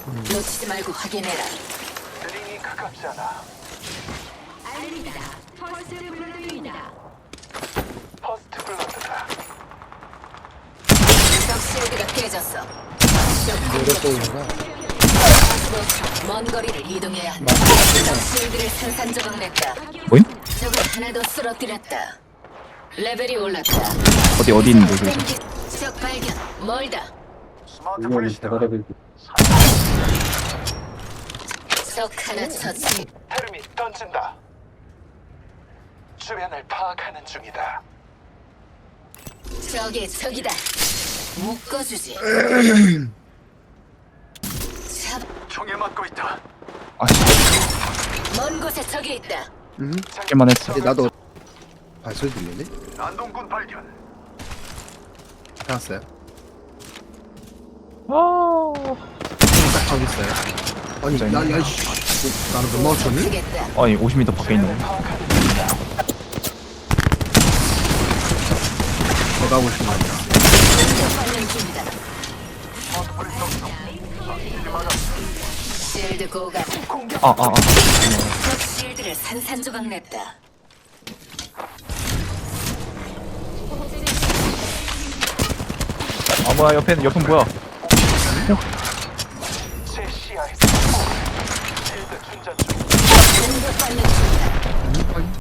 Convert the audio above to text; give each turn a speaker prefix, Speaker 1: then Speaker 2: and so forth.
Speaker 1: 놓치지 말고 확인해라.
Speaker 2: 링이 가깝지 않아.
Speaker 3: 알립니다. 퍼스트 블러드입니다.
Speaker 2: 퍼스트 블러드다.
Speaker 1: 적 실드가 깨졌어.
Speaker 4: 노래 보이는가?
Speaker 1: 먼 거리를 이동해야 한다. 적 실드를 산산조각 냈다.
Speaker 5: 뭐임?
Speaker 1: 적을 하나 더 쓰러뜨렸다. 레벨이 올랐다.
Speaker 5: 어디 있는데 그래서?
Speaker 1: 적 발견. 멀다.
Speaker 2: 스마트
Speaker 4: 이건
Speaker 2: 플래시다.
Speaker 4: 대가리를
Speaker 1: 적 하나 처치.
Speaker 2: 헤르미 던진다. 주변을 파악하는 중이다.
Speaker 1: 적이다. 묶어주지. 잡.
Speaker 2: 총에 맞고 있다.
Speaker 5: 아씨,
Speaker 1: 먼 곳에 적이 있다.
Speaker 5: 잡기만 했어.
Speaker 4: 근데 나도 발소리 들리네?
Speaker 2: 안동군 발견.
Speaker 4: 알았어요.
Speaker 5: 아,
Speaker 4: 딱 저기 있어요. 아니,
Speaker 5: 굉장히
Speaker 4: 야이씨. 나는 못 맞췄니?
Speaker 1: 쓰겠다.
Speaker 5: 아니 50m 밖에 있네.
Speaker 2: 파악하는 중이다.
Speaker 4: 내가 하고 싶은 말이야.
Speaker 1: 공격받는 중이다.
Speaker 2: 스마트 플래시 덕성. 이제 맞아.
Speaker 1: 실드 고갈. 적 실드를 산산조각 냈다.
Speaker 5: 아 뭐야 옆엔 뭐야?
Speaker 2: 제 시야에서 실드 충전 중.
Speaker 1: 공격받는 중이다.